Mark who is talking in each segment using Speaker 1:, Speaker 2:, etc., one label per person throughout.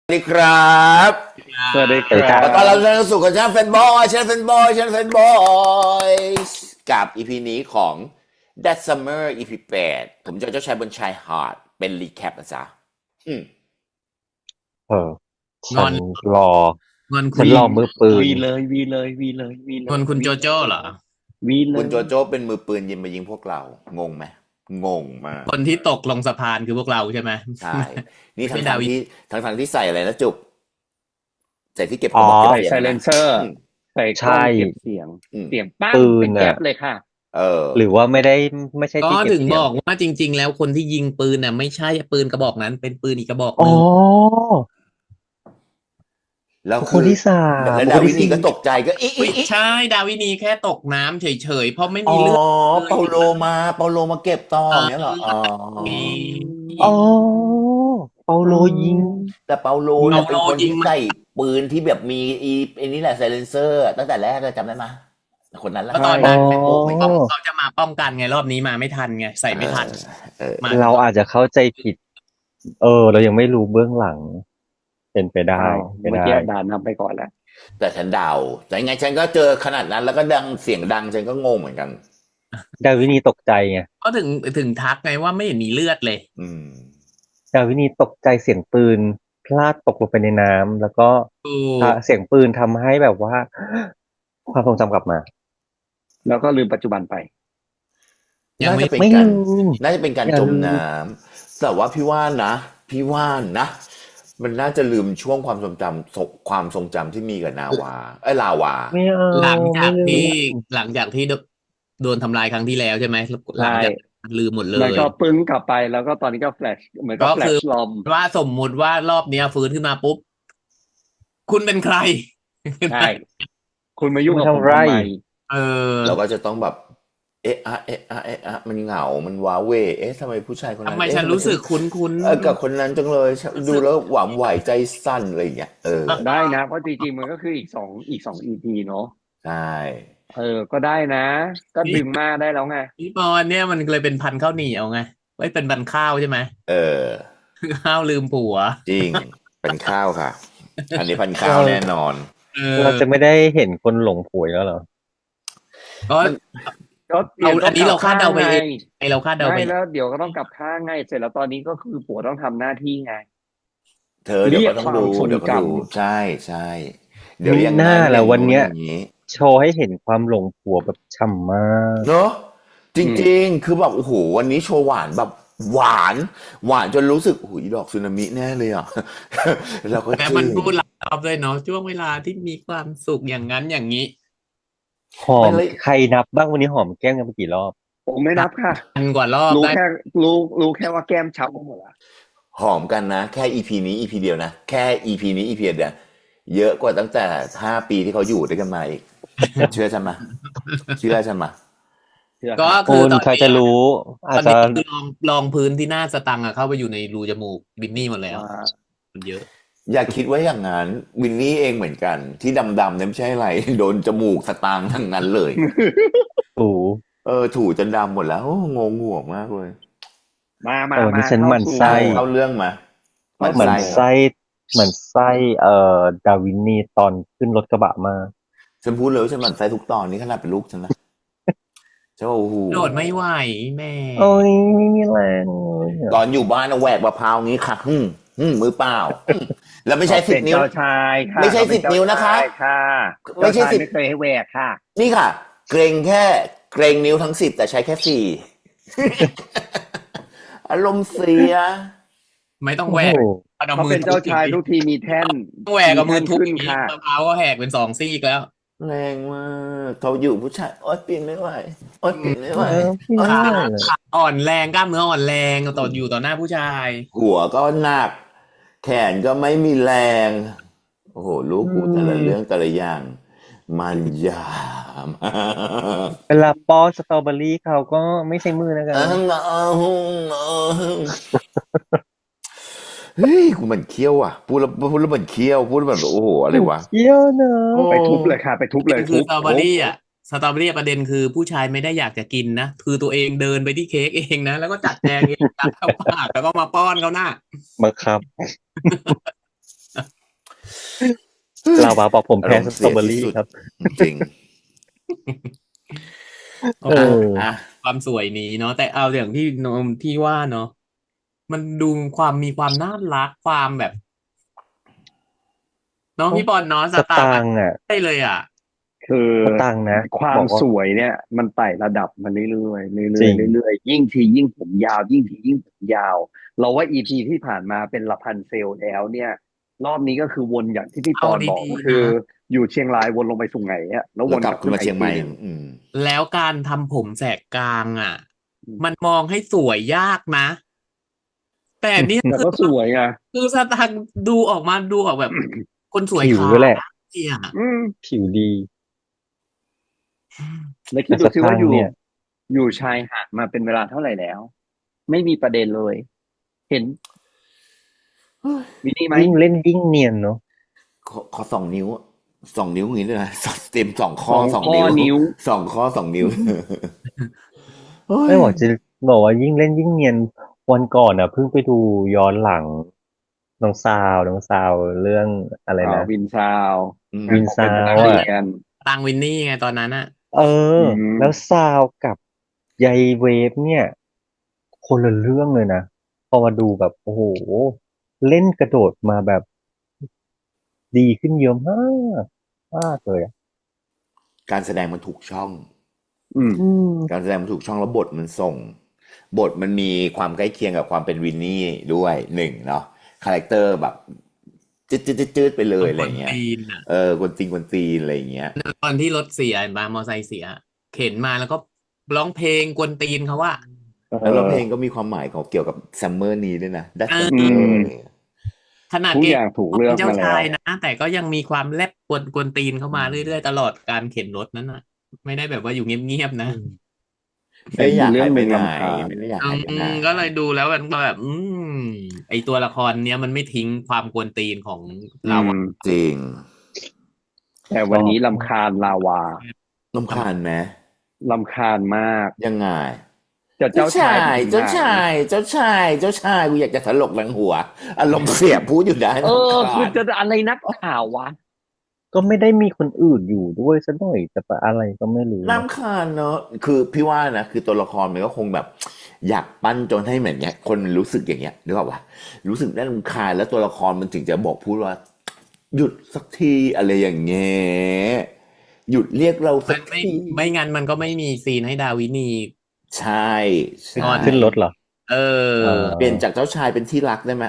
Speaker 1: สวัสดีครับ
Speaker 2: สวัสดีครั
Speaker 1: ขอต้อนรับ
Speaker 2: บ
Speaker 1: ท่านเข้าสู่กับช่างแฟนบอยช่างแฟนบอยช่างแฟนบอยกับ EP นี้ของ That Summer EP 8ผมจะเจ้าชายบนชายหาดเป็นรีแคปนะจ๊ะอืม
Speaker 2: เออ
Speaker 3: ง
Speaker 2: ฉัน
Speaker 3: อน
Speaker 2: รอ
Speaker 3: งอนคุ
Speaker 2: ฉั
Speaker 3: ณ
Speaker 2: นรอมือปืน
Speaker 4: วีเลยวีเลยวีเลยวีเล
Speaker 3: งอน
Speaker 4: ย
Speaker 3: คุณโจโจ้เหรอ
Speaker 4: วีเล
Speaker 1: คุ
Speaker 4: ย
Speaker 1: ณโจโจ้เป็นมือปืนยิงมายิงพวกเรา งงไหมงงมาก
Speaker 3: คนที่ตกลงสะพานคือพวกเราใช่ไหม
Speaker 1: ใช่ นี่
Speaker 3: ไม่
Speaker 1: ทั้ง
Speaker 3: ดาวิ
Speaker 1: ที่ทั้งที่ใส่อะไรนะจุบใส่ที่เก็บก
Speaker 2: อ๋
Speaker 1: ระ
Speaker 2: อ
Speaker 1: บอกเก็บ
Speaker 4: ใส่
Speaker 1: เสียง
Speaker 4: ไซเลน
Speaker 1: นะ
Speaker 4: เซอร์
Speaker 1: อืม
Speaker 4: ใส่ก
Speaker 2: ใช่
Speaker 4: ล้องเก็บเสียง
Speaker 1: อืม
Speaker 4: เสียงปั้ง
Speaker 2: ปืน
Speaker 4: เป็นแก๊
Speaker 2: น่ะ
Speaker 4: ปเลยค่ะ
Speaker 1: เออ
Speaker 2: หรือว่าไม่ใช่
Speaker 3: ก็
Speaker 2: ที่เก็บ
Speaker 3: ถึง
Speaker 2: เสี
Speaker 3: บ
Speaker 2: ยง
Speaker 3: อกว่าจริง ๆ แล้วคนที่ยิงปืนน่ะไม่ใช่ปืนกระบอกนั้นเป็นปืนอีกกระบอกห
Speaker 2: อ๋อ
Speaker 3: นึ่ง
Speaker 1: แล้ว
Speaker 2: บุคค
Speaker 1: คื
Speaker 2: ล
Speaker 1: อ
Speaker 2: ที่สาม
Speaker 1: แล้ว
Speaker 2: บุค
Speaker 1: ดา
Speaker 2: คล
Speaker 1: วิ
Speaker 2: ที่
Speaker 1: นี
Speaker 2: สี่
Speaker 1: ก็ตกใจก็อี
Speaker 3: ไม่ใช่ดาวินีแค่ตกน้ำเฉยๆเพราะไม่
Speaker 1: อ๋
Speaker 3: มี
Speaker 1: อ
Speaker 3: เลือด
Speaker 1: เปาโลมาเก็บต่ออย่างเงี้ยเหรออ๋อ
Speaker 2: อ๋อเปาโลยิง
Speaker 1: แต่เปาโลเนี่ย
Speaker 3: เปาโล
Speaker 1: เป็นคน
Speaker 3: ยิง
Speaker 1: ที่
Speaker 3: มัน
Speaker 1: ใส่ปืนที่แบบมีไอ้นี่แหละไซเลนเซอร์ตั้งแต่แรกเลยจำได้ไหมคนนั้นแหละ
Speaker 3: ก็ตอนนั้น
Speaker 2: อ๋อ
Speaker 1: โอ้ไม่ต้อง
Speaker 3: เขาจะมาป้องกันไงรอบนี้มาไม่ทันไงใส่ไม่ทัน
Speaker 1: เออ
Speaker 3: มา
Speaker 2: เราอาจจะเข้าใจผิด เรายังไม่รู้เบื้องหลัง เป็นไปได้
Speaker 4: อ้าว
Speaker 2: เป็น
Speaker 4: เมื่อ
Speaker 2: ได้
Speaker 4: กี้ด่านำไปก่อนแล้ว
Speaker 1: แต่ฉันเดาแต่ยังไงฉันก็เจอขนาดนั้นแล้วก็ดังเสียงดังฉันก็งงเหมือนกัน
Speaker 2: ดาวินีตกใจไง
Speaker 3: ก็ถึงทักไงว่าไม่เห็นมีเลือดเลย
Speaker 1: อืม
Speaker 2: ดาวินีตกใจเสียงปืนพลาดตกลงไปในน้ำแล้วก็
Speaker 3: ถูก
Speaker 2: เสียงปืนทำให้แบบว่า ความทรงจำกลับมา
Speaker 4: แล้วก็ลืมปัจจุบันไป
Speaker 3: ยัง
Speaker 1: น่า
Speaker 3: ไม่
Speaker 1: จะเป็น
Speaker 2: ไม่
Speaker 1: การ
Speaker 2: ลืม
Speaker 1: น่าจะเป็นการ
Speaker 2: อย่า
Speaker 1: จม
Speaker 2: ลืม
Speaker 1: น้ำแต่ว่าพี่ว่านะ มันน่าจะลืมช่วงความทรงจำความทรงจำที่มีกับนาวาลาวา
Speaker 2: ไม่เอา
Speaker 3: หลังจาก
Speaker 2: ไม่ลื
Speaker 3: ที่
Speaker 2: ม
Speaker 3: หลังจากที่โดนทำลายครั้งที่แล้วใช่ไหมหลังจากลืมหมดเล
Speaker 4: แล้ว
Speaker 3: ย
Speaker 4: ก็ปึ้งกลับไปแล้วก็ตอนนี้ก็แฟลชเหมือนกับ
Speaker 3: ก็
Speaker 4: แฟล
Speaker 3: คื
Speaker 4: ช
Speaker 3: อ
Speaker 4: ลอม
Speaker 3: ว่าสมมุติว่ารอบเนี้ยฟื้นขึ้นมาปุ๊บ คุณเป็นใคร
Speaker 4: ใช่ คุณมายุ่งกับผม
Speaker 2: ทำไร
Speaker 4: ทำไม
Speaker 3: เออ
Speaker 1: เราก็จะต้องแบบ เอ๊ะมันเหงา มันว้าเหวเอ๊ะทำไมผู้ชายคนนั้น
Speaker 3: ทำไม
Speaker 1: เอ๊ะ
Speaker 3: ฉันรู้สึกคุ้น
Speaker 1: กับคนนั้นจังเลยดูแล้วหวานไหวใจสั่นอะไรอย่างเงี้ย
Speaker 4: ได้นะ เพราะจริงๆมันก็คืออีกสองEPเนาะ
Speaker 1: ใช่
Speaker 4: ก็ได้นะ ก็ดึงมาได้แล้วไง
Speaker 3: พี่ปอนเนี่ยมันเลยเป็นพันธุ์ข้าวเหนียวไงไม่เป็นพันธุ์ข้าวใช่ไหม
Speaker 1: เออ
Speaker 3: ข้าวลืมผัว
Speaker 1: จริง เป็นข้าวค่ะ อันนี้พันข้าวแน่นอน
Speaker 3: เออ
Speaker 2: เราจะไม่ได้เห็นคนหลงผวยแล้วเหรอ
Speaker 3: ก็
Speaker 4: ก็เดี๋ยว
Speaker 3: อันนี้เราคาดเดาไปเอง
Speaker 4: ไง
Speaker 3: ไอเราคาดเดาไป
Speaker 4: ไม่แล้วเดี๋ยวก็ต้องกลับข้างไงเสร็จแล้วตอนนี้ก็คือผัวต้องทำหน้าที่ไง
Speaker 1: เธอเดี๋ยวก็ต้องดู
Speaker 4: เรียกความทรงจำ
Speaker 1: เดี๋ยวก็ดูใช่เดี๋ยวยัง
Speaker 2: มีหน้าแหละวันเนี้ย
Speaker 1: อย่างนี้
Speaker 2: โชว์ให้เห็นความหลงผัวแบบฉ่ำมาก
Speaker 1: เนอะจริงๆ คือแบบโอ้โหวันนี้โชว์หวานแบบหวานจนรู้สึกโอ้โหอีดอกสึนามิแน่เลยอ่ะ เราก็
Speaker 3: แต่มันพูดหลายรอบเลยเนาะช่วงเวลาที่มีความสุขอย่างนั้นอย่างนี้
Speaker 2: หอมใครนับบ้างวันนี้หอมแก้มกันไปกี่รอบ
Speaker 4: ผมไม่นับค่ะ
Speaker 3: พันกว่ารอบ
Speaker 4: รู้
Speaker 3: ได้
Speaker 4: แค่รู้แค่ว่าแก้มช้ำไปหมดละ
Speaker 1: หอมกันนะ แค่ EP นี้ EP เดียวนะ แค่ EP นี้ EP เดียวเยอะกว่าตั้งแต่5 ปีที่เขาอยู่ด้วยกันมาอีก เชื่อฉันมาเชื่อฉันมา
Speaker 3: ก็คื
Speaker 2: คุ
Speaker 3: อ
Speaker 2: ณ
Speaker 3: ตอน
Speaker 2: ใคร
Speaker 3: นี้
Speaker 2: จะรู้
Speaker 3: ต
Speaker 2: อา
Speaker 3: อ
Speaker 2: จ
Speaker 3: น
Speaker 2: จะ
Speaker 3: นี้คือลองพื้นที่หน้าสตังค์อะเข้าไปอยู่ในรูจมูกบินนี่หมดแล้ว มันเยอะ
Speaker 1: อย่าคิดว่าอย่างนั้นวินนี่เองเหมือนกัน ที่ดำๆเนี่ยไม่ใช่อะไร โดนจมูกสตางค์ทั้งนั้นเลย
Speaker 2: ถู
Speaker 1: ถูจนดำหมดแล้วโอ้งงหัวมากเลย
Speaker 4: มา
Speaker 2: นี่ฉันหมั่นไส้
Speaker 1: เข้าเรื่องมา
Speaker 2: เหมือนไส้เหมือนไส้ดาวินนี่ตอนขึ้นรถกระบะมา
Speaker 1: ฉันพูดเลยว่าฉันหมั่นไส้ทุกตอนนี้ขนาดเป็นลูกฉันนะเจ้าโอ้โห
Speaker 3: โดดไม่ไหวแม่
Speaker 2: โอ้ยไม่มีแรง
Speaker 1: ตอนอยู่บ้านเอาแหวกมะพร้าวงี้ค่ะมือเปล่าแล้วไม่ใช่
Speaker 4: เป็น
Speaker 1: 10 นิ้ว
Speaker 4: เจ้าชายค่ะ
Speaker 1: ไม่ใช่
Speaker 4: เขาเป็น
Speaker 1: 10 นิ้วนะคะ
Speaker 4: เจ้าชายค่ะ
Speaker 1: ไม่ใช่
Speaker 4: เจ้าชาย
Speaker 1: 10
Speaker 4: ไม่เคยให้แหวกค่ะ
Speaker 1: นี่ค่ะ เกรงนิ้วทั้ง 10 แต่ใช้แค่ 4 อารมณ์เสีย
Speaker 3: ไม่ต้องแหวก
Speaker 2: โอ้โห
Speaker 3: เอา
Speaker 4: เขา
Speaker 3: มือ
Speaker 4: เป็นเจ้าชายทุกทีมีแท่น
Speaker 3: ต้องแหวกเอามือทุบ
Speaker 4: ขึ้น
Speaker 3: อย่างนี้
Speaker 4: ค่ะ
Speaker 3: มะพร้าวก็แหกเป็น2 ซี่แล้ว
Speaker 1: แรงมากเขาอยู่ผู้ชายโอ๊ยปีนไม่ไหวโอ๊ยปีนไม่ไหว
Speaker 2: พี่ไม่
Speaker 3: ขา
Speaker 2: ได้เลย
Speaker 3: อ่อนแรงกล้ามเนื้ออ่อนแรงต่ออยู่ต่อหน้าผู้ชาย
Speaker 1: หัวก็หนัก แขนก็ไม่มีแรง โอ้โห ลูกกูแต่ละเรื่องแต่ละอย่าง มันยามาก
Speaker 2: เวลาป้อนสตรอเบอรี่เขาก็ไม่ใช้มือนะครับ
Speaker 1: เฮ้ยกูเหมือนเคี้ยวอ่ะพูดแล้วเหมือนเคี้ยวพูดแล้วแบบโอ้โหอะไรวะ
Speaker 2: เยี่ยวเนอะ
Speaker 4: ไปทุบเลยค่ะ ไปทุบเลย
Speaker 3: คือ
Speaker 4: ทุบ
Speaker 3: สตรอเบอรี่อ่ะสตรอเบอรี่ประเด็นคือผู้ชายไม่ได้อยากจะกินนะคือตัวเองเดินไปที่เค้กเองนะแล้วก็จัดแจงเองตักเข้าปากแล้วก็มาป้อนเขาหน้า
Speaker 2: บังคับลาวาบอกผมแพ้
Speaker 1: อารมณ์
Speaker 2: ส
Speaker 1: เสี
Speaker 2: ตรอย เบอ
Speaker 1: ที่
Speaker 2: รี่
Speaker 1: สุด
Speaker 2: ครับ
Speaker 1: จริง
Speaker 3: โอ
Speaker 2: เอ
Speaker 3: เค
Speaker 2: อ
Speaker 1: อ่ะ
Speaker 3: ความสวยนี้เนาะแต่เอาอย่างที่นมที่ว่าเนาะมันดูมีความน่ารักความแบบเน้องพี่บอลเนาะส
Speaker 2: ส
Speaker 3: ตาร์
Speaker 2: ตา
Speaker 3: แบบ
Speaker 2: งค์อ่ะ
Speaker 3: ได้เลยอ่ะ
Speaker 4: คือ
Speaker 2: สตางค์นะ
Speaker 4: ควา
Speaker 2: บ
Speaker 4: ม
Speaker 2: อกว่า
Speaker 4: สวยเนี่ย มันไต่ระดับมาเรื่อยๆเรื่
Speaker 2: จริ
Speaker 4: อย
Speaker 2: ง
Speaker 4: ๆเรื่อยๆยิ่งทียิ่งผมยาว ยิ่งทียิ่งผมยาว เราว่าอีพีที่ผ่านมาเป็นละพันเซลแล้วเนี่ย รอบนี้ก็คือวนอย่างที่พี่ป
Speaker 3: เอา
Speaker 4: อนบอก
Speaker 3: ดี
Speaker 4: ก็
Speaker 3: ๆ
Speaker 4: คือ
Speaker 3: นะ
Speaker 4: อยู่เชียงรายวนลงไปสุไหงอะแล้วว
Speaker 1: แล้ว
Speaker 4: น
Speaker 1: ก
Speaker 4: ก
Speaker 1: ลั
Speaker 4: ลั
Speaker 1: บบ ขึ้
Speaker 4: ขึ้
Speaker 1: น
Speaker 4: น
Speaker 1: มา
Speaker 4: มา
Speaker 1: เชี
Speaker 4: อี
Speaker 1: ยง
Speaker 4: ก
Speaker 1: ให
Speaker 4: ที
Speaker 1: ม่
Speaker 4: หนึ่ง
Speaker 3: แล้วการทำผมแสกกลางอ่ะ
Speaker 4: อืม
Speaker 3: มันมองให้สวยยากนะ แต่เนี่ย
Speaker 4: แต่
Speaker 3: คือ
Speaker 4: ก็สวยไง
Speaker 3: คือสตางค์ดูออกมาดูออกแบบ คนสวย
Speaker 2: ผิว
Speaker 3: ขา
Speaker 2: ด้วยแหละ
Speaker 3: เจีย
Speaker 4: อืม
Speaker 2: ผิวดี
Speaker 4: แล้วคิ
Speaker 2: แต่
Speaker 4: ดดู
Speaker 2: ส
Speaker 4: สิ
Speaker 2: ตา
Speaker 4: ว่าง อ
Speaker 2: ค์
Speaker 4: ยู่
Speaker 2: เนี่ย
Speaker 4: อยู่ชายหาดมาเป็นเวลาเท่าไหร่แล้ว ไม่มีประเด็นเลย เห็น มีนี่ไหม
Speaker 2: ยิ่งเล่นยิ่งเนียนเนาะ
Speaker 1: ขอ2 นิ้ว2 นิ้วอย่างนี้เลยนะเต็ม2 ข้อ
Speaker 4: 2
Speaker 1: 2 นิ้ว
Speaker 4: นิ้ว
Speaker 1: 2 ข้อ 2 นิ้ว เฮ้
Speaker 2: ไม่
Speaker 1: ย
Speaker 2: บอกว่ายิ่งเล่นยิ่งเนียน วันก่อนอ่ะเพิ่งไปดูย้อนหลัง น้องซาวเรื่องอะไรนะ
Speaker 4: วินซาว
Speaker 1: อืม
Speaker 4: งานของเป็น
Speaker 2: วินซาว
Speaker 4: นักเรี
Speaker 2: อะ
Speaker 4: ยน
Speaker 3: ตังวินนี่ไงตอนนั้นอะ
Speaker 2: เออ
Speaker 4: อืม
Speaker 2: แล้วซาวกับใยเวฟเนี่ย คนละเรื่องเลยนะ พอมาดูแบบ โอ้โห เล่นกระโดดมาแบบ ดีขึ้นเยอะมากมากเลยอะ
Speaker 1: การแสดงมันถูกช่อง
Speaker 4: อืม
Speaker 2: อืม
Speaker 1: การแสดงมันถูกช่องแล้วบทมันส่ง บทมันมีความใกล้เคียงกับความเป็นวินนี่ด้วย1เนาะคาแรคเตอร์แบบจืดๆๆๆไปเลยอะไรเงี้ย
Speaker 3: ตีนอะ
Speaker 1: กวนตีนอะไรอย่างเงี้ย
Speaker 3: ตอนที่รถเสียมามอไซค์เสีย เข็นมาแล้วก็ร้องเพลงกวนตีนเขาว่า
Speaker 1: แล้วเพลงก็มีความหมายของเกี่ยวกับซัมเมอร์นี้ด้วยนะ That
Speaker 3: เออ
Speaker 1: Summer
Speaker 4: ม
Speaker 1: อะไรเงี้ย
Speaker 3: ขนาด
Speaker 4: ทุก
Speaker 3: เก
Speaker 4: อย่างถูกเลื
Speaker 3: เป็
Speaker 4: อก
Speaker 3: นเจ้า
Speaker 4: มาแล้
Speaker 3: ชายว นะ แต่ก็ยังมีความแลบกวนตีนเข้ามาเรื่อยๆตลอดการเข็นรถนั้นน่ะ ไม่ได้แบบว่าอยู่เงียบๆนะ
Speaker 1: ไม่ได้อยาก
Speaker 4: เรื่
Speaker 1: หาย
Speaker 4: ห
Speaker 1: ไป
Speaker 4: นึ่ง
Speaker 1: ไหน
Speaker 4: รำคาญ
Speaker 1: ไม่ได้อยากหายไปไหน
Speaker 3: ก็เลยดูแล้วมันก็แบบ ไอตัวละครเนี้ยมันไม่ทิ้งความกวนตีนของเราอะ
Speaker 1: จริง
Speaker 4: แต่วันนี้รำคาญลาวา
Speaker 1: รำคาญไหม
Speaker 4: รำคาญมาก
Speaker 1: ยังไง
Speaker 4: แต่เจ้าชายไปถึงไหน
Speaker 1: เจ้าชายกูอยากจะถลกหลังหัว อารมณ์เสียพูดอยู่ได้
Speaker 4: คือจะอะไรนักข่าววะ
Speaker 2: ก็ไม่ได้มีคนอื่นอยู่ด้วยซะหน่อยแต่อะไรก็ไม่รู้นะ
Speaker 1: รำคาญเนอะคือพี่ว่านะคือตัวละครมันก็คงแบบ อยากปั้นจนให้เหมือนเนี้ยคนมันรู้สึกอย่างเงี้ยนึกออกปะรู้สึกน่ารำคาญแล้วตัวละครมันถึงจะบอกพูดว่า หยุดสักทีอะไรอย่างเงี้ยหยุดเรียกเราสัก
Speaker 3: ไม่
Speaker 1: ที
Speaker 3: ไม่งั้นมันก็ไม่มีซีนให้ดาวินี
Speaker 1: ใช่ใช่
Speaker 2: ขึ้นรถเหรอ
Speaker 3: เออ
Speaker 1: เปลี่ยนจากเจ้าชายเป็นที่รักได้ไหม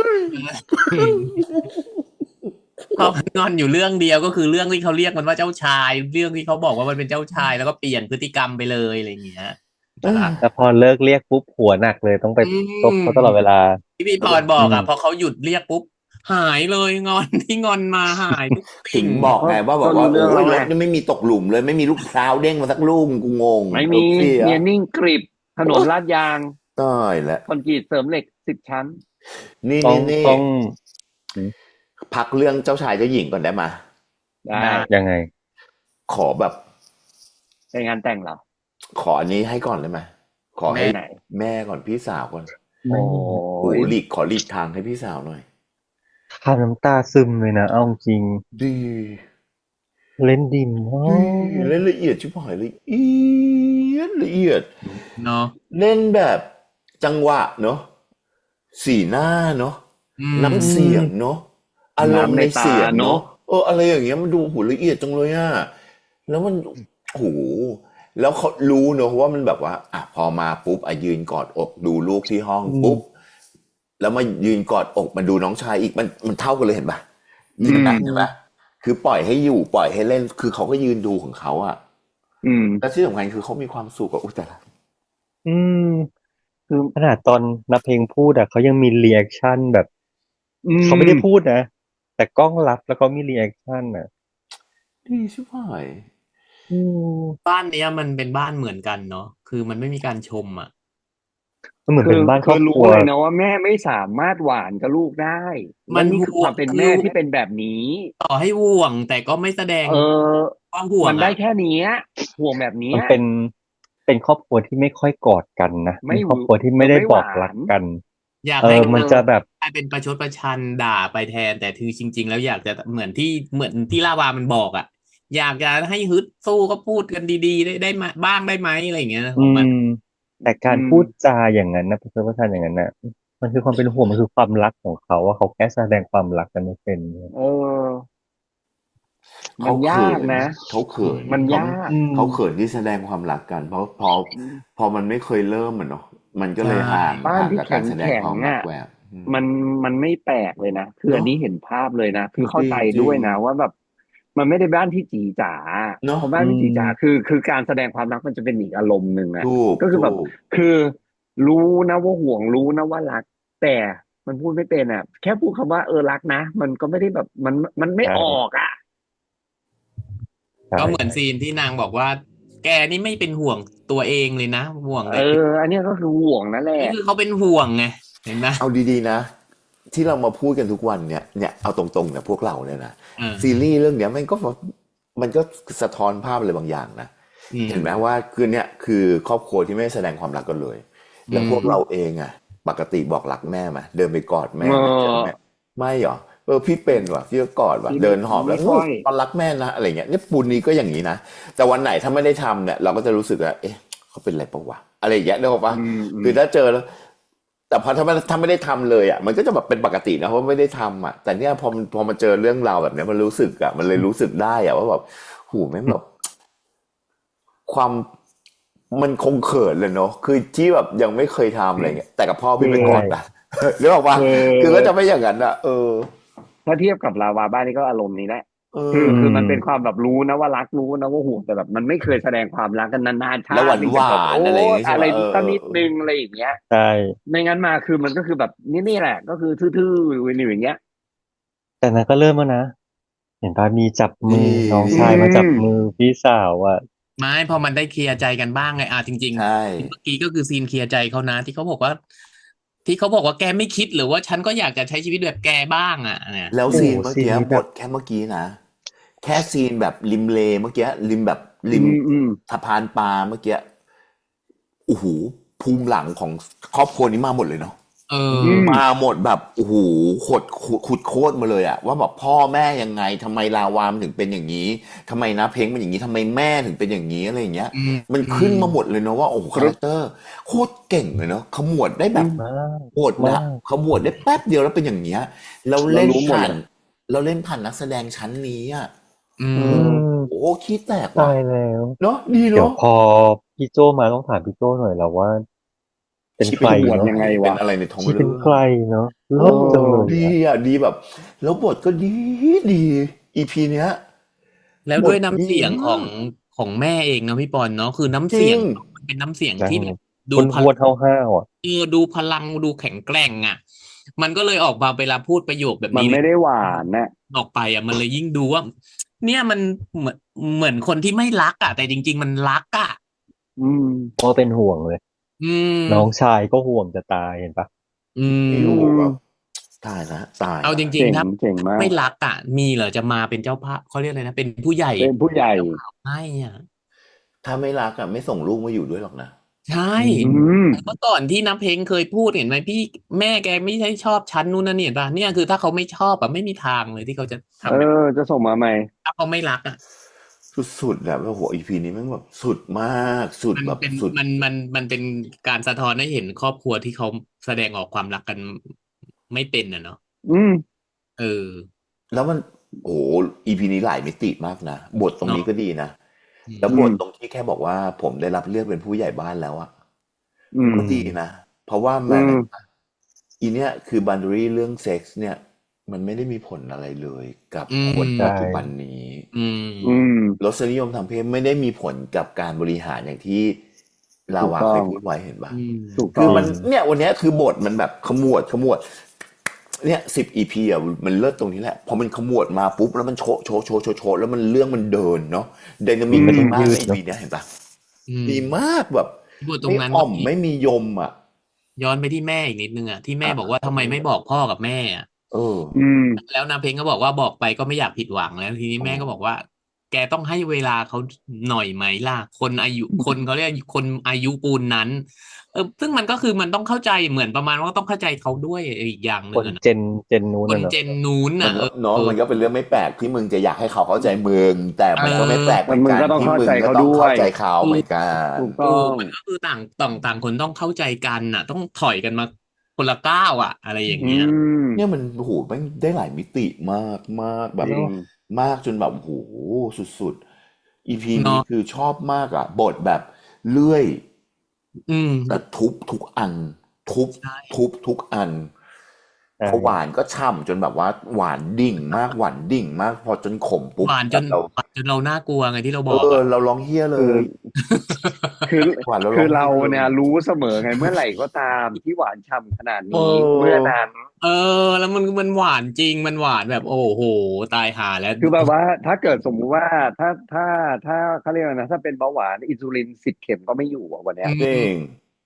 Speaker 3: เพราะมันงอนอยู่เรื่องเดียวก็คือเรื่องที่เขาเรียกมันว่าเจ้าชาย เรื่องที่เขาบอกว่ามันเป็นเจ้าชาย แล้วก็เปลี่ยนพฤติกรรมไปเลยอะไรอย่างเงี้ย
Speaker 2: แต่พอเลิกเรียกปุ๊บหัวหนักเลยต้องไปตบเขาตลอดเวลา
Speaker 3: ที่พี่พรบอกอ่ะพอเขาหยุดเรียกปุ๊บหายเลยงอนที่งอนมาหายทุก
Speaker 1: ถึ
Speaker 3: สิ่
Speaker 1: ง
Speaker 3: ง
Speaker 1: บอกไงว่าแบบว่า
Speaker 4: ก็รู้เรื่อง
Speaker 1: โอ้ย
Speaker 4: แล้ว
Speaker 1: ร
Speaker 4: ไง
Speaker 1: ถนี่ไม่มีตกหลุมเลยไม่มีลูกพร้าวเด้งมาสักลูกกูงง
Speaker 4: ไม่มี
Speaker 1: รถเสีย
Speaker 4: เนียนนิ่งกริบถนนลาดยาง
Speaker 1: ตายแล้ว
Speaker 4: คอนกรีตเสริมเหล็ก 10 ชั้น
Speaker 1: นี่
Speaker 2: ต้อง
Speaker 1: นี่
Speaker 2: ต้อง
Speaker 1: พักเรื่องเจ้าชายเจ้าหญิงก่อนได้มา
Speaker 4: ได้
Speaker 2: ยังไง
Speaker 1: ขอแบบ
Speaker 4: ในงานแต่งเหรอ
Speaker 1: ขออันนี้ให้ก่อนได้ไหมขอให้
Speaker 4: แม่ไหน
Speaker 1: แม่ก่อนพี่สาวก่อน
Speaker 4: โอ้
Speaker 1: โอ้
Speaker 4: ย
Speaker 1: ขอหลีกทางให้พี่สาวหน่อย
Speaker 2: ทำน้ำตาซึมเลยนะเอาจริง
Speaker 1: ดี
Speaker 2: เล่นดิมมาก
Speaker 1: เล่นละเอียดชิบหายละเอียด
Speaker 3: เนาะ
Speaker 1: เล่นแบบจังหวะเนาะสีหน้าเนาะ น้ำเสียงเนาะอารมณ์ในเสียงเนาะอะไรอย่างเงี้ยมันดูหูละเอียดจังเลยอะแล้วมันโหแล้วเขารู้เนอะว่ามันแบบว่าอ่ะพอมาปุ๊บยืนกอดอกดูลูกที่ห้องปุ๊บแล้วมายืนกอดอกมาดูน้องชายอีกมันเท่ากันเลยเห็นปะเห็นปะคือปล่อยให้อยู่ปล่อยให้เล่นคือเขาก็ยืนดูของเขาอะ แต่ที่สำคัญคือเขามีความสุขกับแต่ละ
Speaker 2: อืมคือขนาดตอนนับเพลงพูดอ่ะเขายังมีรีแอคชั่นแบบเขาไม่ได้พูดนะ แต่กล้องรับแล้วเขามีรีแอคชั่นอ่ะ
Speaker 1: ดีชิบหาย
Speaker 3: บ้านเนี้ยมันเป็นบ้านเหมือนกันเนาะคือมันไม่มีการชมอ่ะ
Speaker 2: มันเหมือนเป็นบ้านครอบค
Speaker 4: รู้
Speaker 2: รัว
Speaker 4: เลยนะว่าแม่ไม่สามารถหวานกับลูกได้
Speaker 3: มัน
Speaker 4: นี่คือความเป็นแม่ที่เป็นแบบนี้
Speaker 3: ต่อให้ห่วงแต่ก็ไม่แสดงความห่วง
Speaker 4: มันได้
Speaker 3: อะ
Speaker 4: แค่เนี้ยห่วงแบบเนี้
Speaker 2: มัน
Speaker 4: ย
Speaker 2: เป็นครอบครัวที่ไม่ค่อยกอดกันนะ
Speaker 4: ไม่
Speaker 2: เป็นครอบครัวที่ไม่ได้
Speaker 4: ไม่ห
Speaker 2: บ
Speaker 4: วาน
Speaker 2: อกรักกัน
Speaker 3: อยากให้
Speaker 2: มันจะแบบ
Speaker 3: กลายเป็นประชดประชันด่าไปแทน แต่คือจริง ๆ แล้วอยากจะเหมือนที่ลาวามันบอกอ่ะ อยากจะให้ฮึดสู้ก็พูดกันดีๆได้มาบ้างได้ไหมอะไรอย่างเงี้ยของมัน
Speaker 2: แต่การพูดจาอย่างนั้นนะประชดประชันอย่างนั้นนะมันคือความเป็นห่วงมันคือความรักของเขาว่าเขาแค่แสดงความรักกันไม่เป็น
Speaker 4: เออ มั
Speaker 1: เขา
Speaker 4: น
Speaker 1: เขิ
Speaker 4: ยาก
Speaker 1: น
Speaker 4: นะ
Speaker 1: นะเขาเขิน
Speaker 4: มัน
Speaker 1: เขา
Speaker 4: ยาก
Speaker 1: เขาเขินที่แสดงความรักกัน เพราะพอมันไม่เคยเริ่มอะเนาะมันก็เลย
Speaker 3: ใช่
Speaker 4: บ้าน
Speaker 1: ห่าง
Speaker 4: ที่
Speaker 1: กับ
Speaker 4: แข็
Speaker 1: การ
Speaker 4: ง
Speaker 1: แสดง
Speaker 4: แข็ง
Speaker 1: ความรัก
Speaker 4: อ่ะ
Speaker 1: แหวก
Speaker 4: มันไม่แปลกเลยนะคืออัน
Speaker 1: เนาะ
Speaker 4: นี้เห็นภาพเลยนะคือเข้า
Speaker 1: จริ
Speaker 4: ใจ
Speaker 1: งจ
Speaker 4: ด้
Speaker 1: ริ
Speaker 4: วย
Speaker 1: ง
Speaker 4: นะว่าแบบ มันไม่ได้บ้านที่จีจ๋า
Speaker 1: เนาะ
Speaker 4: เพราะบ้านที่จีจ๋าคือการแสดงความรักมันจะเป็นอีกอารมณ์หนึ่งอะ
Speaker 1: ถูก
Speaker 4: ก็คือ
Speaker 1: ถู
Speaker 4: แบบ
Speaker 1: ก
Speaker 4: คือรู้นะว่าห่วงรู้นะว่ารัก แต่มันพูดไม่เป็นอะแค่พูดคำว่ารักนะ มันก็ไม่ได้แบบมันไม่
Speaker 2: ใช่
Speaker 4: ออกอะ
Speaker 2: ใช่
Speaker 3: ก็เหมือนซีนที่นางบอกว่า แกนี่ไม่เป็นห่วงตัวเองเลยนะ ห่วงแต่
Speaker 4: อันเนี้ยก็คือห่วงนั่นแหละ
Speaker 3: นี่คือเขาเป็นห่วงไงเห็นไหม
Speaker 1: เอาดีๆนะ ที่เรามาพูดกันทุกวันเนี่ยเอาตรงๆเนี่ยพวกเราเนี่ยนะ
Speaker 3: อ่า
Speaker 1: ซีรีส์เรื่องเนี้ยมันก็สะท้อนภาพอะไรบางอย่างนะ
Speaker 3: อืม
Speaker 1: เห็นไหมว่าคือเนี่ยคือครอบครัวที่ไม่แสดงความรักกันเลย แล้วพวกเราเองอะปกติบอกรักแม่ไหมเดินไปกอดแม่ไหมเจอแม่ไม่หรอพี่เป็นว่ะพี่ก็กอดว่ะ
Speaker 4: พี่
Speaker 1: เดินหอบแล้ว
Speaker 4: ไม่ค่อย
Speaker 1: ตอนรักแม่นะอะไรเงี้ยเนี่ยปูนนี้ก็อย่างนี้นะแต่วันไหนถ้าไม่ได้ทำเนี่ยเราก็จะรู้สึกว่าเอ๊ะเขาเป็นอะไรปะวะอะไรอย่างเงี้ยนึกออกปะ คือถ้าเจอแล้ว แต่พอถ้าไม่ได้ทำเลยอ่ะมันก็จะแบบเป็นปกตินะเพราะไม่ได้ทำอ่ะแต่เนี่ยพอมาเจอเรื่องราวแบบเนี้ยมันรู้สึกอ่ะมันเลยรู้สึกได้อ่ะว่าแบบหูแม่งแบบความมันคงเขินเลยเนาะคือที่แบบยังไม่เคยทำอะไรเงี้ยแต่กับพ่อพี่ไปกอดนะนึกออกปะคือก็จะไม่อย่างนั้นอ่ะ
Speaker 4: ถ้าเทียบกับลาวาบ้านนี่ก็อารมณ์นี้แหละ
Speaker 1: เออ
Speaker 4: คือมันเป็นความแบบรู้นะว่ารักรู้นะว่าห่วงแต่แบบมันไม่เคยแสดงความรักกันนานๆชา
Speaker 1: แล้วหวาน
Speaker 4: ติ
Speaker 1: หวานอะไรอย่างเงี้ยใช่
Speaker 4: อะไร
Speaker 1: ปะ
Speaker 4: สักนิดนึงอะไรอย่างเงี้ย
Speaker 2: ใช่
Speaker 4: ไม่งั้นมาคือมันก็คือแบบนี่แหละ ก็คือทื่อๆอยู่อย่างเงี้ย
Speaker 2: แต่นั้นก็เริ่มแล้วนะเห็นตอนมีจับมือ
Speaker 1: นี่
Speaker 2: น้องชายมาจับมือพี่สาวอ่ะ
Speaker 3: ไม่พอมันได้เคลียร์ใจกันบ้างไงจริง
Speaker 1: ใช่
Speaker 3: ๆเมื่อกี้ก็คือซีนเคลียร์ใจเขานะที่เขาบอกว่าแกไม่คิดหรือว่าฉันก็อยากจะใช้ชีวิตแบบแกบ้างอ่ะเนี่ย
Speaker 1: แล้ว
Speaker 2: โอ้
Speaker 1: ซีนเมื่อ
Speaker 2: ซีน
Speaker 1: กี้
Speaker 2: นี้
Speaker 1: บ
Speaker 2: แบบ
Speaker 1: ทแค่เมื่อกี้นะ แค่ซีนแบบริมเลเมื่อกี้ริมแบบริม สะพานปลาเมื่อกี้โอ้โหภูมิหลังของครอบครัวนี้มาหมดเลยเนาะ
Speaker 3: เออ
Speaker 1: มาหมดแบบโอ้โหขุดโคตรมาเลยอะว่าแบบพ่อแม่ยังไงทำไมลาวามนถึงเป็นอย่างนี้ทำไมนะเพ้งเป็นอย่างนี้ทำไมแม่ถึงเป็นอย่างนี้อะไรอย่างเงี้ย
Speaker 3: อืม
Speaker 1: มันขึ้นมาหมดเลยเนาะว่าโอ้โหคาแรคเตอร์โคตรเก่งเลยเนาะขมวดได้แบบ
Speaker 2: มาก
Speaker 1: โหดนะขมวดได้แป๊บเดียวแล้วเป็นอย่างเงี้ยเราเล่น
Speaker 4: เรารู้หมด
Speaker 1: ผ่าน
Speaker 4: เลย
Speaker 1: เราเล่นผ่านนักแสดงชั้นนี้อะ
Speaker 3: อื
Speaker 2: อื
Speaker 3: ม
Speaker 2: ม
Speaker 1: โอ้โหขี้แตกว่ะ
Speaker 2: ตายแล้ว
Speaker 1: เนาะดี
Speaker 2: เดี๋ยว
Speaker 1: เนาะ
Speaker 2: พอพี่โจมาต้องถามพี่โจหน่อยแล้วว่า เป็น
Speaker 1: ชี
Speaker 2: ใคร
Speaker 1: เป็น
Speaker 2: เนาะ
Speaker 4: ยังไงวะ
Speaker 1: เป็นอะไรในท้อง
Speaker 2: ที่
Speaker 1: เรื่
Speaker 2: เป็น
Speaker 1: อง
Speaker 2: ใครเนาะเลิศจังเลย
Speaker 1: ดี
Speaker 2: อะ
Speaker 1: อ่ะดีแบบ แล้วบทก็ดีอีพีเนี้ย
Speaker 3: แล้วด้วยน้ำเสียง
Speaker 1: บทดีมาก
Speaker 3: ของแม่เองนะพี่ปอนเนาะคือน้ำ
Speaker 1: จ
Speaker 3: เสี
Speaker 1: ริ
Speaker 3: ยง
Speaker 1: ง
Speaker 3: มันเป็นน้ำเสียง
Speaker 2: ใช่
Speaker 3: ที่แบบดู
Speaker 2: คน
Speaker 3: พ
Speaker 2: พ
Speaker 3: ลั
Speaker 2: ว
Speaker 3: ง
Speaker 2: ดห้าวๆอ่ะ
Speaker 3: ดูพลังดูแข็งแกร่งอ่ะ มันก็เลยออกมาเวลาพูดประโยคแบบ
Speaker 4: มัน
Speaker 3: นี้
Speaker 4: ไม่ได้หวานนะ
Speaker 3: ออกไปอ่ะมันเลยยิ่งดูว่า เนี่ยมันเหมือนคนที่ไม่รักอ่ะ แต่จริง ๆ มันรักอ่ะ
Speaker 4: อืม
Speaker 2: ก็เป็นห่วงเลย
Speaker 3: อืม
Speaker 2: น้องชายก็ห่วงจะตายเห็นปะ
Speaker 3: อืม
Speaker 1: โอ้โหแบบตายละตาย
Speaker 3: เอาจ
Speaker 1: ละ
Speaker 3: ริง
Speaker 4: เจ๋ง
Speaker 3: ๆถ้า
Speaker 4: เจ๋งมาก
Speaker 3: ไม่รักอ่ะ มีเหรอจะมาเป็นเจ้าภาพเขาเรียกอะไรนะเป็นผู้ใหญ่
Speaker 4: เป็นผู้ใหญ่
Speaker 3: ไม่อ่ะ
Speaker 1: ถ้าไม่รักอ่ะไม่ส่งลูกมาอยู่ด้วยหรอกนะ
Speaker 3: ใช่
Speaker 4: อืม
Speaker 3: เมื่อก่อนที่น้ำเพลงเคยพูดเห็นไหมพี่แม่แกไม่ใช่ชอบฉันนู่นนั่นนี่เห็นป่ะเนี่ยคือถ้าเขาไม่ชอบอะไม่มีทางเลยที่เขาจะทำ
Speaker 4: จะส่งมาใหม่
Speaker 3: ถ้าเขาไม่รักอ่ะ
Speaker 1: สุดๆแบบว่าโหอีพีนี้แมันแบบสุดมากสุด
Speaker 3: มัน
Speaker 1: แบบ
Speaker 3: เป็น
Speaker 1: สุด
Speaker 3: มันเป็นการสะท้อนให้เห็นครอบครัวที่เขาแสดงออกความรักกันไม่เป็นอ่ะเนาะ
Speaker 4: อืม
Speaker 3: เออ
Speaker 1: แล้วมันโอ้โหอีพีนี้หลายมิติมากนะบทตรงนี้
Speaker 3: เนอะ
Speaker 1: ก็ดีนะ
Speaker 3: อืม
Speaker 1: แล้วบทตรงที่แค่บอกว่าผมได้รับเลือกเป็นผู้ใหญ่บ้านแล้วอะ
Speaker 4: อืม
Speaker 1: ก็ดีนะ เพราะว่ามันอีเนี้ยคือบันดารีเรื่องเซ็กส์เนี่ย มันไม่ได้มีผลอะไรเลยกับ
Speaker 3: อืม
Speaker 1: คนปัจจุบันนี้
Speaker 3: อืม
Speaker 4: อืม
Speaker 1: รสนิยมทางเพศไม่ได้มีผลกับการบริหารอย่างที่ลาวา
Speaker 4: ถูกต้อง
Speaker 1: เคยพูดไว้เห็นปะ
Speaker 3: อืม
Speaker 4: ถูก
Speaker 1: คื
Speaker 4: ต้
Speaker 1: อ
Speaker 4: อง
Speaker 1: มันเนี่ยวันเนี้ยคือบทมันแบบขมวดเนี่ย10 EP อ่ะมันเลิศตรงนี้แหละพอมันขมวดมาปุ๊บแล้วมันโชว์แล้วมันเรื่องมันเดินเนาะไดนามิก
Speaker 2: ไม่
Speaker 1: ดี
Speaker 2: ต้อง
Speaker 1: มาก
Speaker 2: ยืด
Speaker 1: ใน
Speaker 2: เนอะ
Speaker 1: EP เนี้ยเห็นปะ
Speaker 3: อืม
Speaker 1: ดีมากแบบ
Speaker 3: พูดตร
Speaker 1: ไม่
Speaker 3: งนั้น
Speaker 1: อ่อ
Speaker 3: ก็
Speaker 1: ม
Speaker 3: มี
Speaker 1: ไม่มียมอ่ะ
Speaker 3: ย้อนไปที่แม่อีกนิดนึงอ่ะที่แม่
Speaker 1: อ่ะ
Speaker 3: บอกว่าทำไมไม่บอกพ่อกับแม่อ่ะ
Speaker 1: เออ
Speaker 4: อืม
Speaker 3: แล้วนาเพลงก็บอกว่าบอกไปก็ไม่อยากผิดหวังแล้วทีนี้
Speaker 1: โอ้
Speaker 3: แม่ก็บอกว่าแกต้องให้เวลาเขาหน่อยไหมล่ะคนเขาเรียกคนอายุปูนนั้นซึ่งมันก็คือมันต้องเข้าใจเหมือนประมาณว่าต้องเข้าใจเขาด้วยอีกอย่างห
Speaker 2: ค
Speaker 3: นึ่ง
Speaker 2: น
Speaker 3: อะนะ
Speaker 2: เจนนู้น
Speaker 3: คน
Speaker 2: น่ะเนอะ
Speaker 3: เจนนู้น
Speaker 1: มัน
Speaker 3: น่ะ
Speaker 1: เนาะมันก็เป็นเรื่องไม่แปลกที่มึงจะอยากให้เขาเข้าใจมึงแต่มันก็ไม่แปลกเหมือน
Speaker 4: มึง
Speaker 1: กัน
Speaker 4: ก็ต้อง
Speaker 1: ที่
Speaker 4: เข้า
Speaker 1: มึง
Speaker 4: ใจ
Speaker 1: ก็
Speaker 4: เขา
Speaker 1: ต้อง
Speaker 4: ด้ว
Speaker 1: เข้าย ใจเขาเหมือนกัน
Speaker 4: ถูกต้อง
Speaker 3: มันก็คือต่างคนต้องเข้าใจกันน่ะ ต้องถอยกันมาคนละก้าวอะไรอย่าง
Speaker 4: อื
Speaker 3: เงี้ย
Speaker 4: ม
Speaker 1: เนี่ยมันโอ้โหมันได้หลายมิติมากมากแบบ
Speaker 4: จริง
Speaker 1: มากจนแบบโอ้โหสุดๆ EP
Speaker 3: เน
Speaker 1: นี้
Speaker 3: อะ
Speaker 1: คือชอบมากอ่ะบทแบบเลื่อย
Speaker 3: อืม
Speaker 1: แต่ทุบทุกอัน ทุบ
Speaker 3: ใช่
Speaker 1: ทุบทุกอัน
Speaker 2: ใช่
Speaker 1: พอหวานก็ช่ำจนแบบว่าหวานดิ่งมากหวานดิ่งมาก พอจนขมปุ๊บ
Speaker 3: หวานจน
Speaker 1: เรา
Speaker 3: เราน่ากลัวไงที่เราบอก
Speaker 1: เราร้องเฮี้ยเล
Speaker 4: คือ
Speaker 1: ย
Speaker 4: คือ
Speaker 1: หวานเรา
Speaker 4: คือ
Speaker 1: ร้
Speaker 4: เรา
Speaker 1: องไห้เลย
Speaker 4: เนี่ยรู้เสมอไงเมื่อไหร่ก็ตามที่หวานฉ่ำขนาด
Speaker 1: เอ
Speaker 4: นี้
Speaker 1: อ
Speaker 4: เมื่อนั้น
Speaker 3: แล้วมันหวานจริงมันหวานแบบโอ้โหตายหาแล้ว
Speaker 4: คือแบบว่าถ้าเกิดสมมุติว่าถ้าเขาเรียกว่านะถ้าเป็นเบาหวานอินซูลิน10 เข็มก็ไม่อยู่อ่ะวันเนี้ย
Speaker 1: จริง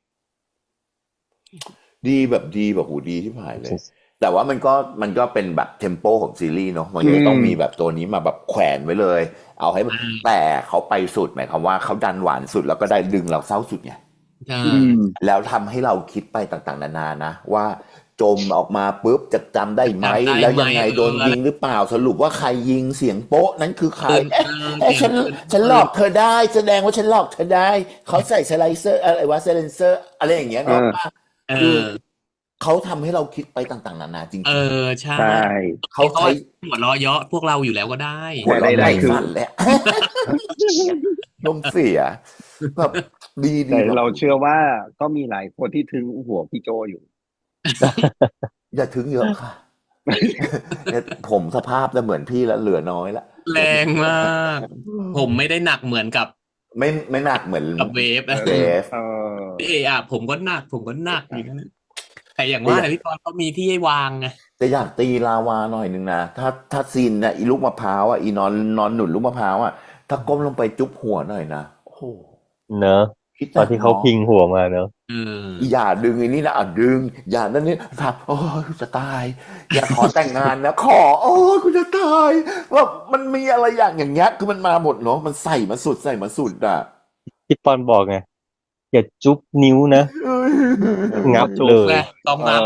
Speaker 1: ดีแบบโหดีที่ผ่านเลย แต่ว่ามันก็เป็นแบบเทมโปของซีรีส์เนาะมันก็จะต้องมีแบบตัวนี้มาแบบแขวนไว้เลย เอาให้แต่เขาไปสุดหมายความว่าเขาดันหวานสุดแล้วก็ได้ดึงเราเศร้าสุดไง
Speaker 3: ใช่
Speaker 4: อืม
Speaker 1: แล้วทำให้เราคิดไปต่างๆนานานะว่าจมออกมาปุ๊บจะจำได้ไหม
Speaker 3: จำได้ไหม
Speaker 1: แล้วยังไงโดนยิงหรือเปล่าสรุปว่าใครยิงเสียงโป๊ะนั้นคือใคร ฉันหลอกเธอได้แสดงว่าฉันหลอกเธอได้เขาใส่สไลเซอร์อะไรวะสไลเซอร์อะไรอย่างเงี้ยเนาะ
Speaker 3: เอ
Speaker 1: คือ
Speaker 3: อ
Speaker 1: เขาทำให้เราคิดไปต่างๆนานาจริง
Speaker 3: ใช่
Speaker 4: ใช่
Speaker 1: ๆเขาใช้
Speaker 3: หัวเราะเยาะพวกเราอยู่แล้วก็ได้
Speaker 1: หัวเราะ
Speaker 4: ได้
Speaker 1: ใน
Speaker 4: คือ
Speaker 1: ฝันแหละ ลมเสียแบบดี
Speaker 4: แต่
Speaker 1: แบบ
Speaker 4: เราเชื่อว่าก็มีหลายคนที่ถึงหัวพี่โจอยู่
Speaker 1: อย่าถึงเยอะค่ะ เนี่ยผมสภาพจะเหมือนพี่แล้วเหลือน้อยละ
Speaker 3: แรงมาก ผมไม่ได้หนักเหมือนกับ
Speaker 1: ไม่หนักเหมือน
Speaker 3: กับเวฟนะ
Speaker 1: เวฟ
Speaker 4: เออ
Speaker 3: ผมก็หนักอย่างนั้นแต่อย่างว่าแต่พี่ตอนเขามีที่ให้วางไง
Speaker 1: แต่อยากตีลาวาหน่อยนึงนะถ้าซีนน่ะอีลูกมะพร้าวอ่ะอีนอนหนุนลูกมะพร้าวอ่ะถ้าก้มลงไปจุ๊บหัวหน่อยนะโอ้โห
Speaker 2: เนอะ
Speaker 1: คิด
Speaker 2: ตอนที่เขาพิงหัวมาเนอะ
Speaker 1: อย่าดึงไอ้นี่นะดึง อย่านั่นนี่ทำโอ้ยกูจะตาย อย่าขอแต่งงานนะ ขอโอ้ยกูจะตายว่ามันมีอะไรอย่างเงี้ยคือมันมาหมดเนาะมันใส่มาสุดอ่ะ
Speaker 2: พี่ปอนบอกไงอย่าจุ๊บนิ้วนะ งับ
Speaker 3: จุก
Speaker 2: เลย
Speaker 3: แหละต้องงับ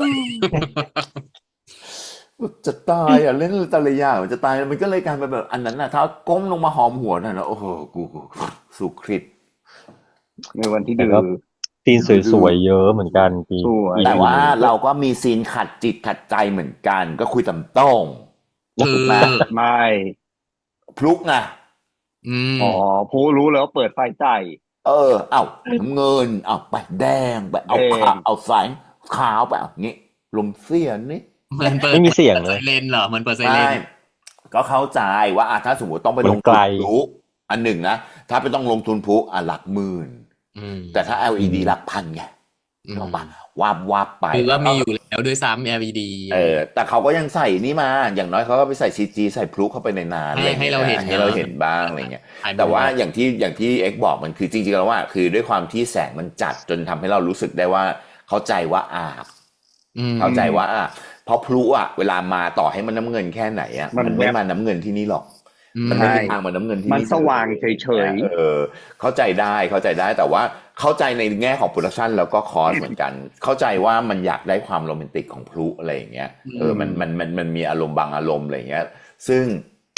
Speaker 1: จะตายอ่ะเล่นแต่ละอย่างมันจะตายมันก็เลยกลายเป็นแบบอันนั้นน่ะถ้าก้มลงมาหอมหัวน่ะนะโอ้โหกูสุคริต
Speaker 4: ในวันที่
Speaker 2: แต่
Speaker 4: ดื้
Speaker 2: ก็
Speaker 4: อ
Speaker 2: ซีนสวยๆเยอะเหมือนกันพี่
Speaker 4: สวย
Speaker 1: แต่ว่าเราก็มีซีนขัดจิตขัดใจเหมือนกัน ก็คุยตำต้อง
Speaker 3: คือ
Speaker 1: ถูกไหม
Speaker 4: ไม่
Speaker 1: พลุกไง
Speaker 4: อ๋อผู้รู้แล้วาเปิดไฟใจ
Speaker 1: เอ้าน้ำเงินเอาไปแดงไปเอา
Speaker 4: แดง
Speaker 1: ขาวเอาสายขาวไปเอางี้ลมเสียนี่
Speaker 3: มันเปิด
Speaker 2: ไม่มีเสียงเลย
Speaker 3: ไซเรนเหรอมันเปิดไซเร
Speaker 1: ใช่
Speaker 3: น
Speaker 1: ก็เข้าใจว่าถ้าสมมติต้องไปลง
Speaker 2: มันไก
Speaker 1: ทุ
Speaker 2: ล
Speaker 1: นพลุอันหนึ่งนะถ้าไปต้องลงทุนพลุหลักหมื่น แต่ถ้า LED หลักพันไงเอาปะวาบไป
Speaker 3: คือว่ามีอยู่แล้วด้วยซ้ำ LED
Speaker 1: แต่เขาก็ยังใส่นี่มาอย่างน้อยเขาก็ไปใส่ CG ใส่พลุเข้าไปในนานอะไร
Speaker 3: ให้เราเห็น
Speaker 1: ให้เราเห็นบ้างอะไรเงี้ย แต่ว่าอย่างที่เอ็กบอกมันคือจริงๆแล้วว่า คือด้วยความที่แสงมันจัดจนทำให้เรารู้สึกได้ว่าเข้าใจว่าเข้าใจว่าเพราะพลุเวลามาต่อให้มันน้ำเงินแค่ไหนมันไม่มาน้ำเงินที่นี่หรอกมันไม่มีทางมาน้ำเงินที่นี่
Speaker 4: มันสว่างเฉย
Speaker 1: เข้าใจได้แต่ว่าเข้าใจในแง่ของโปรดักชันแล้วก็คอสเหมือนกัน เข้าใจว่ามันอยากได้ความโรแมนติกของพลุอะไรอย่างเงี้ยมันมีอารมณ์บางอารมณ์อะไรอย่างเงี้ย ซึ่ง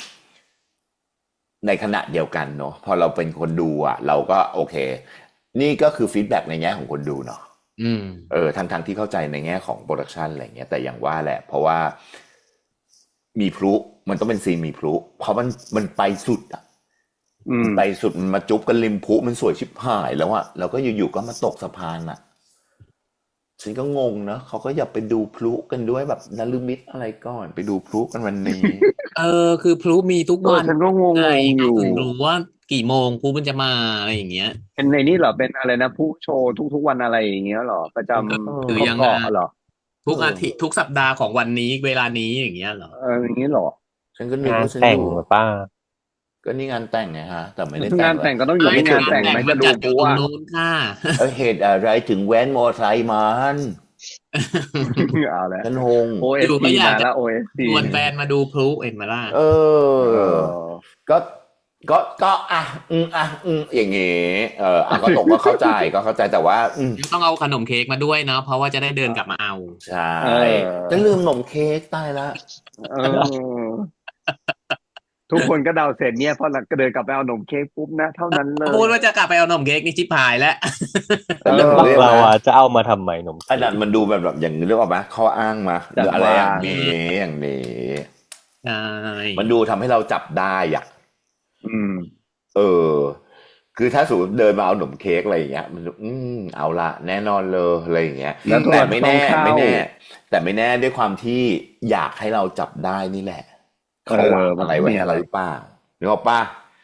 Speaker 1: ในขณะเดียวกันเนาะพอเราเป็นคนดูเราก็โอเค นี่ก็คือฟีดแบ็กในแง่ของคนดูเนาะทั้งที่เข้าใจในแง่ของโปรดักชันอะไรเงี้ยแต่อย่างว่าแหละ เพราะว่ามีพลุมันต้องเป็นซีนมีพลุเพราะมันไปสุดไปสุดมันมาจุ๊บกันริมพลุมันสวยชิบหายแล้วแล้วก็อยู่ๆก็มาตกสะพานฉันก็งงนะเขาก็อยากไปดูพลุกันด้วยแบบนฤมิตอะไรก่อนไปดูพลุกันวันนี้
Speaker 3: คือพลุมีทุกวัน
Speaker 4: ฉันก็งง
Speaker 3: ไง
Speaker 4: อยู่
Speaker 3: ถึงรู้ว่ากี่โมงพลุมันจะมาอะไรอย่างเงี้ย
Speaker 4: เป็นในนี้เหรอเป็นอะไรนะผู้โชว์ทุกวันอะไรอย่างเงี้ยเหรอประจำ
Speaker 3: คือยัง
Speaker 4: เกาะเหรอ
Speaker 3: ทุกอาทิตย์ทุกสัปดาห์ของวันนี้เวลานี้อย่างเงี้ยเหรอ
Speaker 4: อย่างนี้เหรอ
Speaker 1: ฉันก็นึก
Speaker 2: งาน
Speaker 1: ว่าฉัน
Speaker 2: แต่ง
Speaker 1: อยู่
Speaker 2: ป้า
Speaker 1: ก็นี่งานแต่งไงฮะแต่ไม่ได้
Speaker 4: งานแต่งก็ต้องอยู่ที่งานแต่งไหม
Speaker 3: มั
Speaker 4: จะ
Speaker 3: น
Speaker 4: ดู
Speaker 3: จัดอ
Speaker 4: กู
Speaker 3: ยู่ตรง
Speaker 4: ว่า
Speaker 3: นู้นค่ะ
Speaker 1: เหตุอะไรถึงแว้นมอไซค์มัน
Speaker 4: เอาแล้ว
Speaker 1: ฉันงง
Speaker 3: อยู่
Speaker 4: OST
Speaker 3: ก็อยาก
Speaker 4: มา
Speaker 3: จะ
Speaker 4: แล้ว OST
Speaker 3: ชวนแฟนมาดูพลุเห็นไหมล่ะ
Speaker 1: ก็ก็อย่างงี้ก็ตกก็เข้าใจแต่ว่า
Speaker 3: ต้องเอาขนมเค้กมาด้วยเนาะเพราะว่าจะได้เดินกลับมาเอา
Speaker 1: ใช่จะลืมขนมเค้กตายละ
Speaker 4: เออ ทุกคนก็เดาเสร็จเนี่ยพอเดินกลับไปเอาขนมเค้กปุ๊บนะเท่านั้นเลย
Speaker 3: พูดว่าจะกลับไปเอาขนมเค้กนี่ชิบหายแล้ว
Speaker 1: แต่เรื่องของ
Speaker 2: บัก
Speaker 1: เรื่อง
Speaker 2: ลา
Speaker 1: นะ
Speaker 2: วาจะเอามาทำไมนม
Speaker 1: อันนั้นมันดูแบบอย่างเรื่องออกมาข้ออ้างมาหรืออะไรอย่างนี้
Speaker 3: ใช่
Speaker 1: มันดูทำให้เราจับได้อ่ะ
Speaker 4: อืม
Speaker 1: คือถ้าสมมติเดินมาเอาขนมเค้กอะไรอย่างเงี้ยมันเอาละแน่นอนเลยอะไรอย่างเงี้ย
Speaker 4: แล้ว
Speaker 1: แต่ไม่แน่
Speaker 4: ต้องเข้า
Speaker 1: ไม่แน่ด้วยความที่อยากให้เราจับได้นี่แหละเขาวางอะไรไว้ให้เราหรือเปล่านึกออกป่ะ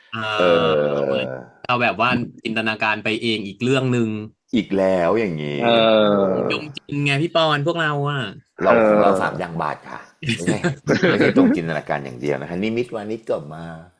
Speaker 3: เอาแบบว่าจินตนาการไปเองอีกเรื่องหนึ่ง
Speaker 1: อีกแล้วอย่างนี้
Speaker 3: จงจินไงพี่ปอนพวกเราอ่ะ
Speaker 1: เรา3อย่างบาทค่ะไม่ใช่ตรงจินตนาการอย่างเดียวนะคะนิมิตวานิชก็มา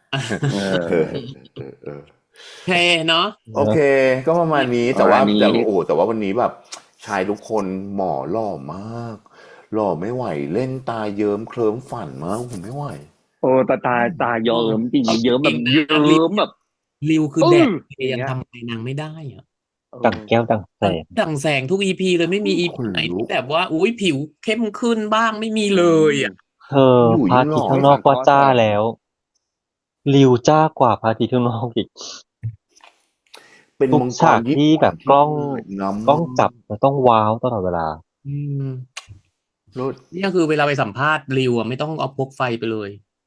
Speaker 3: เพเนาะ
Speaker 1: โอเค ก็ประมาณนี้แต่ว่าวันนี้แบบชายทุกคนหมอหล่อมากหล่อไม่ไหวเล่นตาเยิ้มเคลิ้มฝันมากผมไม่ไหว
Speaker 4: โอ้ตาเยิ้มจริงเยิ้มแบบเยิ้มแบบ
Speaker 3: ริวคือแดดยังทำอะไรนางไม่ได้อ่ะ
Speaker 2: ดังแก้วดังแสง
Speaker 3: ดังแสงทุก EP เลยไม่มี EP ไหนที่แบบว่าอุ้ยผิวเข้มขึ้นบ้างไม่มีเลยอ่ะ
Speaker 2: เธอพระอาทิตย์ข้างนอกก็จ้าแล้วริวจ้ากว่าพระอาทิตย์ข้างนอกอีก
Speaker 1: เป็น
Speaker 2: ทุก
Speaker 1: มังก
Speaker 2: ฉาร กที่แบบกล้อง
Speaker 1: น้ำ
Speaker 2: กล้องจับมันต้องว้าวตลอดเวลา
Speaker 3: อืม
Speaker 1: รถ
Speaker 3: นี่คือเวลาไปสัมภาษณ์ริวอ่ะไม่ต้องเอาพกไฟไปเลย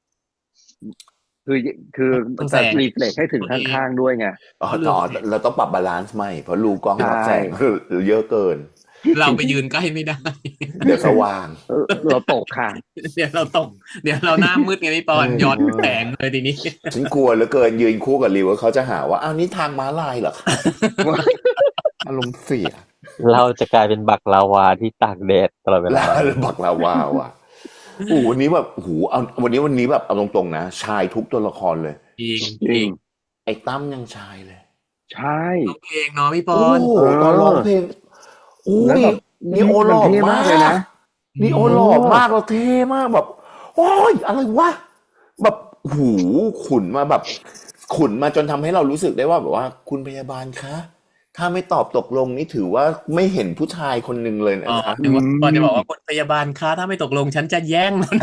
Speaker 4: คือ
Speaker 3: ต้อง
Speaker 4: จะ
Speaker 3: แสง
Speaker 4: รีเฟล็กให้ถึงข้างๆด้วยไง
Speaker 1: เราต้องปรับบาลานซ์ใหม่เพราะรูกล้องรับแสงเยอะเกิน
Speaker 3: เราไปยืนใกล้ไม่ได้
Speaker 1: เดี๋ยวสว่าง
Speaker 4: เราตกค่ะ
Speaker 3: เดี๋ยวเราตก เดี๋ยวเราหน้ามืดไงพี่ปอนย้อนแสงเลยทีนี้
Speaker 1: ฉันกลัวเหลือเกินยืนคู่กับริวเขาจะหาว่าอ้าวนี่ทางม้าลายเหรอคะอารมณ์เสีย
Speaker 2: เราจะกลายเป็นบักลาวาที่ตากแดดตลอดเวลา
Speaker 1: แล้วบักลาวาว่ะวันนี้แบบเอาวันนี้แบบเอาตรงๆนะชายทุกตัวละครเลย
Speaker 3: จริง
Speaker 4: จริง
Speaker 1: ไอ้ตั้มยังชายเลย
Speaker 4: ใช่
Speaker 3: ร้องเพลงเนาะพี่ปอ
Speaker 1: โอ้
Speaker 3: น
Speaker 1: โหตอนร้องเพลงอุ้
Speaker 4: แล้ว
Speaker 1: ย
Speaker 4: แบบ
Speaker 1: นีโอหล่อ
Speaker 4: มันเท่
Speaker 1: มาม
Speaker 4: าก กเลยนะ
Speaker 1: นีโอหล่อมากเราเท่มากแบบโอ้ยอะไรวะแบบหูขุนมาจนทำให้เรารู้สึกได้ว่าแบบว่าคุณพยาบาลคะถ้าไม่ตอบตกลงนี่ถือว่าไม่เห็นผู้ชายคนหนึ่งเลยนะ
Speaker 3: อ๋อ
Speaker 1: คะ
Speaker 3: นึกว่าพี่ปอนจะบอกว่าคนพยาบาลคะถ้าไม่ตกลงฉันจะแย่งมัน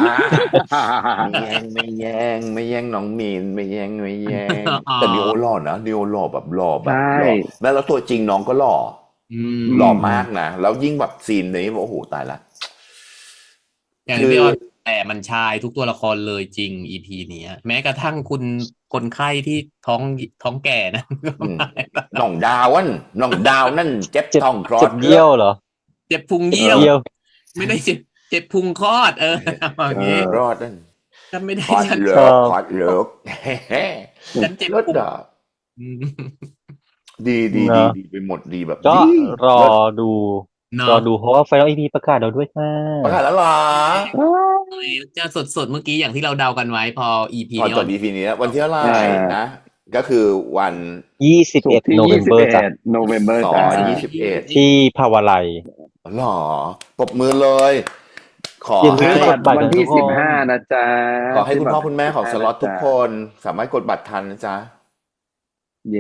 Speaker 1: ไม่แย่งน้องมีนไม่แย่งแต่นีโอหล่อนะนีโอหล่อแบบหล่อ
Speaker 4: ใช่
Speaker 1: แล้วตัวจริงน้องก็หล่อ หล่อมากนะแล้วยิ่งแบบซีนนี้โอ้โหตายละ
Speaker 3: อย่างที่พี่ออนแต่มันชายทุกตัวละครเลยจริง EP เนี้ยแม้กระทั่งคุณคนไข้ที่ท้องแก่นะ
Speaker 1: น้องดาวนั่นเจ็บท้องคลอ
Speaker 2: เจ็
Speaker 1: ด
Speaker 2: บเยี่ยวเหรอ
Speaker 3: เจ็บพุงเยี่ยว
Speaker 2: เยี่ยว
Speaker 3: ไม่ได้เจ็บพุงคลอดอย่างนี้
Speaker 1: รอดนั่น
Speaker 3: ฉันไม่ได้
Speaker 1: คลอด
Speaker 3: ฉัน
Speaker 1: เลิกคลอดเลิก
Speaker 3: ฉันเจ็บ
Speaker 1: รถ
Speaker 3: พุง
Speaker 1: อ่ะ
Speaker 3: อืม
Speaker 1: ดี
Speaker 2: เนอะ
Speaker 1: ดีไปหมดดีแบบ
Speaker 2: ก็
Speaker 1: ดี
Speaker 2: รอดู
Speaker 3: เนาะ
Speaker 2: รอดูเพราะว่าไฟนอลอีพีประกาศเราด้วยค่ะ
Speaker 1: ประกาศแล้วเหรอ
Speaker 3: จะสดเมื่อกี้อย่างที่เราเดากันไว้พอ EP
Speaker 1: พอ
Speaker 3: นี้
Speaker 1: จบ EP นี้วันที่เท่าไหร่
Speaker 4: อ่า
Speaker 1: นะก็คือวัน
Speaker 4: ศุกร์ที่
Speaker 2: โนเวมเบอร์จ้ะ
Speaker 4: 21โนเวมเบอร์
Speaker 1: สอ
Speaker 4: จ้ะ
Speaker 1: ง21
Speaker 2: ที่ภาวะไลย
Speaker 1: หรอปรบมือเลย ขอ
Speaker 2: อย่าลื
Speaker 1: ให้
Speaker 2: มกดบัตร
Speaker 4: วันที่
Speaker 2: ทุกคน
Speaker 4: 15นะจ๊ะ
Speaker 1: ขอให้คุณพ่อคุณแม่ของสล็อตทุกคน สามารถกดบัตรทันนะจ๊ะ
Speaker 4: เย่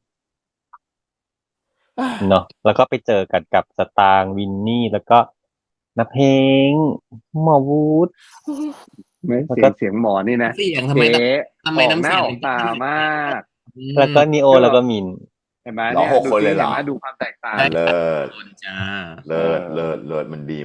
Speaker 2: เนาะแล้วก็ไปเจอกันกับสตางค์วินนี่แล้วก็นับเพลงหมอวูด
Speaker 4: ไม่
Speaker 2: แล้วก็
Speaker 4: เสียงหมอนี่นะ
Speaker 3: เสียงทำไม
Speaker 4: เก๋
Speaker 3: ทำไม
Speaker 4: ออก
Speaker 3: น้ำ
Speaker 4: ห
Speaker 3: เสี
Speaker 4: น้าย
Speaker 3: ง
Speaker 4: ออกตามาก
Speaker 2: แล้วก็นีโอแล้วก็มิน
Speaker 4: เห็นไหม
Speaker 1: เหรอ
Speaker 4: เนี่ย
Speaker 1: หกคนเลยเหรอ
Speaker 4: ห็นไหมดูความแตกต่าง
Speaker 1: เลิศ
Speaker 3: คนจ้า
Speaker 1: เลิศมันดี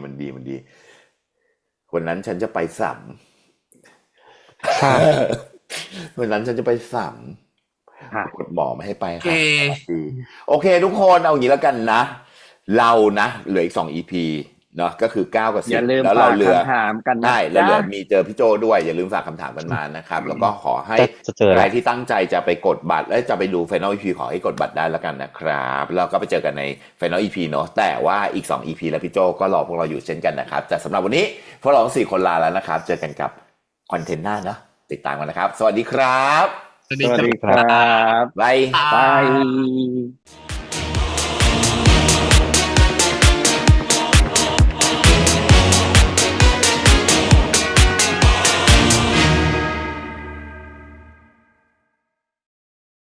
Speaker 1: วันนั้นฉันจะไปสัม
Speaker 2: ค่ะ
Speaker 1: วันนั้นฉันจะไปสัม
Speaker 4: ค่ะ
Speaker 1: กดหมอไม่ให้ไป
Speaker 3: โอเค
Speaker 1: ค่ะโอเค ทุกคนเอาอย่างนี้แล้วกันนะ เรานะเหลืออีก2 EP เนาะก็คือ9กับ
Speaker 4: อย่าลืม
Speaker 1: 10แล้ว
Speaker 4: ฝา
Speaker 1: เรา
Speaker 4: ก
Speaker 1: เหลือ
Speaker 4: คำถามกันนะ
Speaker 1: ได้แล้วเหลือ
Speaker 4: จ๊ะ
Speaker 1: มีเจอพี่โจด้วยอย่าลืมฝากคำถามกันมานะครับแล้วก็ขอให้
Speaker 2: จะเจอ
Speaker 1: ใค
Speaker 2: อะไร
Speaker 1: รที่ตั้งใจจะไปกดบัตรและจะไปดู Final EP ขอให้กดบัตรได้แล้วกันนะครับแล้วก็ไปเจอกันใน Final EP เนาะแต่ว่าอีก2 EP แล้วพี่โจก็รอพวกเราอยู่เช่นกันนะครับแต่สำหรับวันนี้พวกเราทั้ง4 คนลาแล้วนะครับเจอกันกับคอนเทนต์หน้าเนาะติดตามกันนะครับ สวัสดีครับ
Speaker 3: สวัสดี
Speaker 4: สวัสดี
Speaker 3: ค
Speaker 4: ครับ รับ
Speaker 1: บาย
Speaker 4: บาย